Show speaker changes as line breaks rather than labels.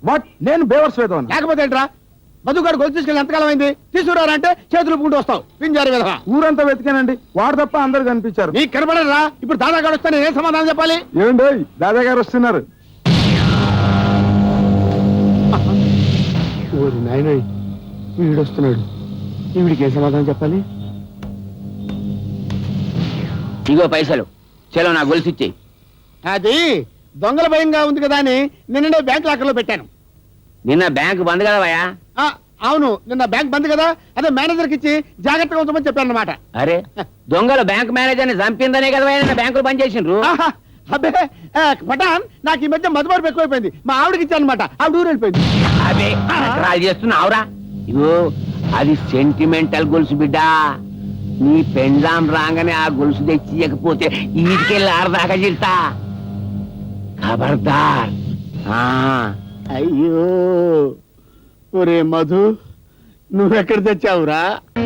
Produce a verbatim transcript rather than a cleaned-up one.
What నేను బేవర్స్ వేద్దాను
లేకపోతే ఏంట్రా మధుగాడు గొలుసు తీసుకెళ్ళి ఎంతకాలం అయింది తీసుకురారంటే చేతులు పుంటూ వస్తావు పింజారి విధవా.
ఊరంతా వెతికానండి వాడు తప్ప అందరు కనిపించారు.
నీకు కనపడరా ఇప్పుడు దాదాగాడు వస్తే నేను ఏం సమాధానం చెప్పాలి?
ఏమండి దాదా గారు వస్తున్నారు.
ఓరి నాయన వీడు వస్తున్నాడు, ఈవిడికి ఏం సమాధానం చెప్పాలి?
ఇగో పైసలు చలో నా గొలుసు ఇచ్చేయి.
అది దొంగల భయంగా ఉంది కదా అని నిన్ననే బ్యాంక్ లాకర్లో పెట్టాను.
నిన్న బ్యాంకు బంద్ కదా భయ్యా?
ఆ, అవును నిన్న బ్యాంక్ బంద్ కదా, అదే మేనేజర్కి ఇచ్చి జాగ్రత్తగా ఉంచమని చెప్పాను అనమాట.
అరే దొంగలు బ్యాంక్ మేనేజర్ ని చంపిందనే కదా భయ్యా నిన్న బ్యాంకులు బంద్ చేసిండ్రు.
అబ్బే ఆ, పఠాన్ నాకు ఈ మధ్య మధుబారు ఎక్కువైపోయింది. మా ఆవిడకి ఇచ్చాను అనమాట, ఆవిడ ఊరు వెళ్ళిపోయింది.
అదే నకరాలు చేస్తున్నావురా? ఇగో అది సెంటిమెంటల్ గొలుసు బిడ్డ. నీ పెండ్లాం రాగానే ఆ గొలుసు తెచ్చి ఇవ్వకపోతే ఈటికెళ్ళి ఆరదాకా చిల్తా. ఖబర్దార్. ఆ
అయ్యో ఒరే మధు నువ్వెక్కడ తెచ్చావురా?